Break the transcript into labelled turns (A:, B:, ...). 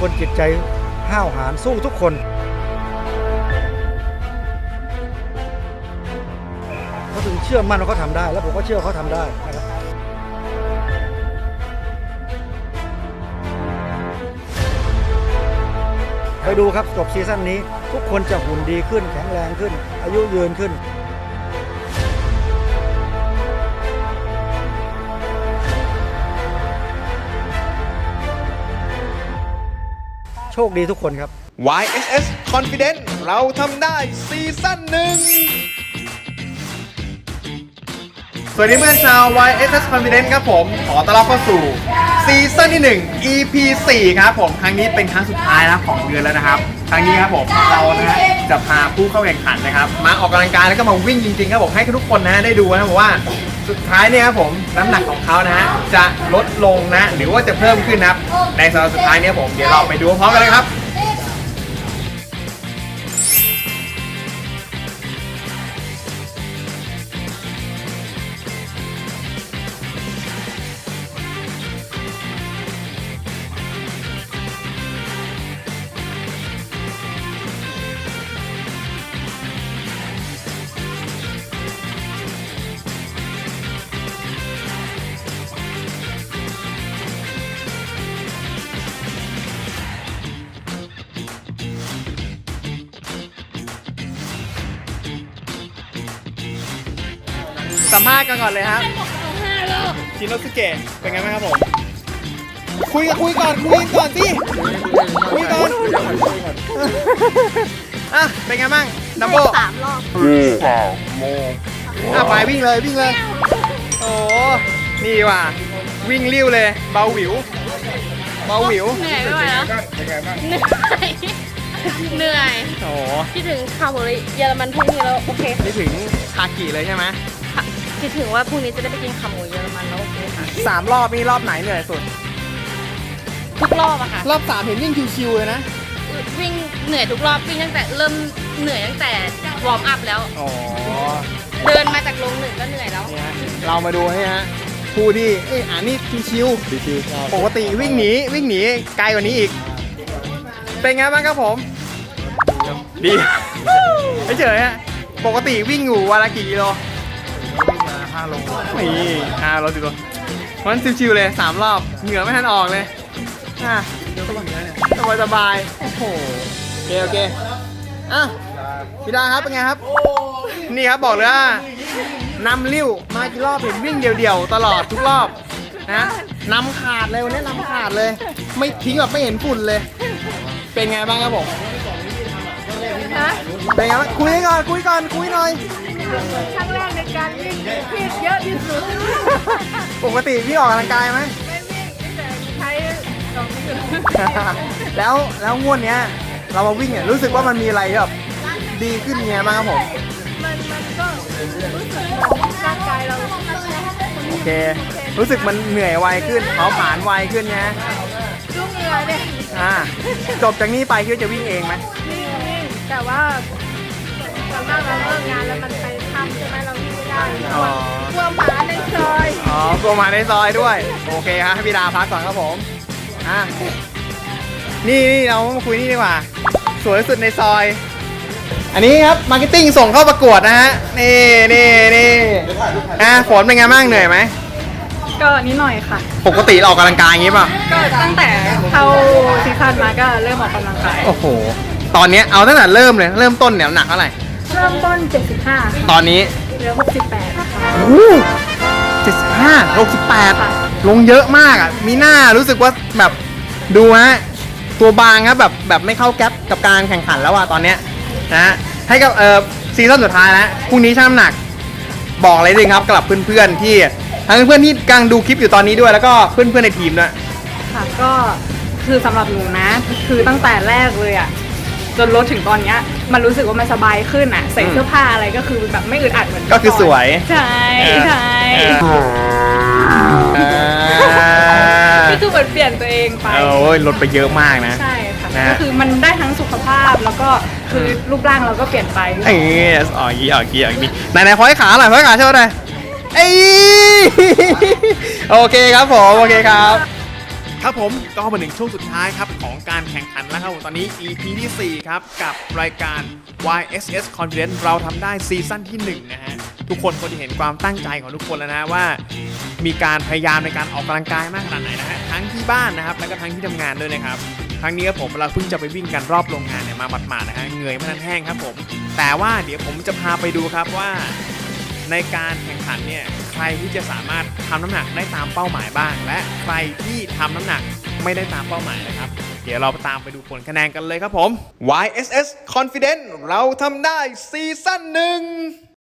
A: คนจิตใจห้าวหาญสู้ทุกคนเขาถึงเชื่อมั่นว่าเขาทำได้แล้วผมก็เชื่อว่าเขาทำได้นะครับไปดูครับจบซีซั่นนี้ทุกคนจะหุ่นดีขึ้นแข็งแรงขึ้นอายุยืนขึ้นโชคดีทุกคนครับ
B: YSS Confident เราทำได้ซีซั่นหนึ่งสวัสดีเพื่อนชาว YSS Confident ครับผมขอต้อนรับเข้าสู่ซีซั่นที่1 EP 4ครับผมครั้งนี้เป็นครั้งสุดท้ายนะของเดือนแล้วนะครับครั้งนี้ครับผมเรานะฮะจะพาผู้เข้าแข่งขันนะครับมาออกกำลังกายแล้วก็มาวิ่งจริงๆครับผมให้ทุกคนนะได้ดูนะว่าสุดท้ายเนี่ยครับผมน้ำหนักของเขานะฮะจะลดลงนะหรือว่าจะเพิ่มขึ้นนะครับในสัปดาห์สุดท้ายเนี่ยผมเดี๋ยวเราไปดูพร้อมกันเลยครับสัมภาษณ์กันก่อนเลยครับชินโนสุเกะเป็นไงบ้างครับผมคุยก่อนสิคุยก่อนอ่ะเป็นไงบ้างดัมโบ้
C: 3 รอบ
B: ไปวิ่งเลยโอ้นี่ว่ะวิ่งเลี้ยวเลยเบาหวิว
C: เหนื่อยไม่ไหวแล้วเหนื่อย
B: โอ้
C: คิดถึงคาร์โบไฮเยอรมันพรุ่งนี้แล้วโอเค
B: คิดถึงคากิเลยใช่ไหม
C: คิดถึงว่าพรุ่งนี้จะได้ไปกินขาหมูเยอรมันแล้วโอเคค่ะ
B: 3 รอบนี่รอบไหนเหนื่อยสุด
C: ทุกรอบอะค่ะ
B: รอบ3เห็นวิ่งชิวๆเลยนะ
C: วิ่งเหนื่อยทุกรอบวิ่งตั้งแต่เริ่มเหนื่อยตั้งแต่วอร์มอัพแล้วเดินมาจากโรง1ก็เหนื่อยแล้ว
B: เรามาดูให้ฮะผู้ที่นี่ชิวปกติวิ่งหนีไกลกว่านี้อีกเป็นไงบ้างครับผมดีเฉยฮะปกติวิ่งอยู่วันละกี่กิโลวิ่งมา5 โลนี่5 โล10 โลมันชิวๆเลย3 รอบเหงื่อไม่ทันออกเลยสบายโอ้โหโอเคพี่ดาครับเป็นไงครับนี่ครับบอกเลยว่านำลิ้วมากี่รอบเห็นวิ่งเดี่ยวๆตลอดทุกรอบนะนำขาดเลยวันนี้นำขาดเลยไม่ทิ้งแบบไม่เห็นฝุ่นเลยเป็นไงบ้างครับผมเป็นไงบ้างคุยหน่อยคุย
C: ครั้งแรกในการวิ่งที่เยอะที่สุด
B: ปกติพี่ออกกำลังกายไหม
C: ไม่วิ่งแต่ใช้สองมือ
B: แล้วงวดเนี้ยเรามาวิ่งเนี่ยรู้สึกว่ามันมีอะไรแบบดีขึ้นไงบ้างครับผม
C: มันก็รู้สึกร่างกายเรา
B: โอเครู้สึกมันเหนื่อยไวขึ้นเผาผลาญไวขึ้นนะ
C: รุ่งเหนื่อยเนี่ย
B: จบจากนี้ไปคิดว่าจะวิ่งเองไหม
C: วิ่งแต่ว่าตอนนั้นเราเลิกงานแล้วมันไปทำใช่ไหมเราวิ่งไม่ได้กลัวหมาในซอย
B: กลัวหมาในซอยด้วยโอเคครับให้พี่ดาพักก่อนครับผมนี่เรามาคุยนี่ดีกว่าสวยสุดในซอยอันนี้ครับมาร์เก็ตติ้งส่งเข้าประกวดนะฮะนี่ฝนเป็นไงบ้างเหนื่อยไหม
C: ก็นิดหน่อยค่ะ
B: ปกติเราออกกำลังกายอย่างงี้ป่ะ
C: ก็ตั้งแต่เข้าซีซั่นมาก็เริ่มออกกำลังกาย
B: โอ้โหตอนนี้เอาตั้งแต่เริ่มต้นเนี่ยหนักเท่าไหร่
C: เริ่มต้น75
B: ตอนนี้
C: เหลือ68ค่ะ
B: โอ้75 68ลงเยอะมากอ่ะมีหน้ารู้สึกว่าแบบดูฮะตัวบางครับแบบไม่เข้าแก๊ปกับการแข่งขันแล้วอ่ะตอนเนี้ยนะให้กับซีซั่นสุดท้ายแล้วพรุ่งนี้ชั่งน้ำหนักบอกเลยจริงครับกับเพื่อนๆที่ทั้งเพื่อนที่กำลังดูคลิปอยู่ตอนนี้ด้วยแล้วก็เพื่อนๆในทีมด้วย
C: ค่ะก็คือสำหรับหนูนะคือตั้งแต่แรกเลยอ่ะจนลดถึงตอนนี้มันรู้สึกว่ามันสบายขึ้นอ่ะใส่เสื้อผ้าอะไรก็คือแบบไม่อึดอัดเหมือน
B: ก็คือสวย
C: ใช่ก็คือเหมือนเปลี่ยนตัวเองไป
B: ลดไปเยอะมากนะ
C: ใช่ค่ะก็คือมันได้ทั้งสุขภาพแล้วก็คือรูปร่างเราก็เปลี่ยนไป
B: ไหนพอยขาหน่อยพอยขาเช่ไหมโอเคครับผมโอเคครับครับผมก็มาถึงช่วงสุดท้ายครับของการแข่งขันแล้วครับผมตอนนี้ EP ที่ 4 ครับกับรายการ YSS Confidence เราทำได้ซีซั่นที่ 1 นะฮะทุกคนจะเห็นความตั้งใจของทุกคนแล้วนะว่ามีการพยายามในการออกกำลังกายมากขนาดไหนนะฮะทั้งที่บ้านนะครับแล้วก็ทั้งที่ทำงานด้วยนะครับครั้งนี้ครับผมเราเพิ่งจะไปวิ่งกันรอบโรงงานเนี่ยมาหมาดๆนะฮะเหงื่อไม่ทันแห้งครับผมแต่ว่าเดี๋ยวผมจะพาไปดูครับว่าในการแข่งขันเนี่ยใครที่จะสามารถทำน้ำหนักได้ตามเป้าหมายบ้างและใครที่ทำน้ำหนักไม่ได้ตามเป้าหมายนะครับเดี๋ยวเราตามไปดูผลคะแนนกันเลยครับผม YSS Confidence เราทำได้ซีซั่น 1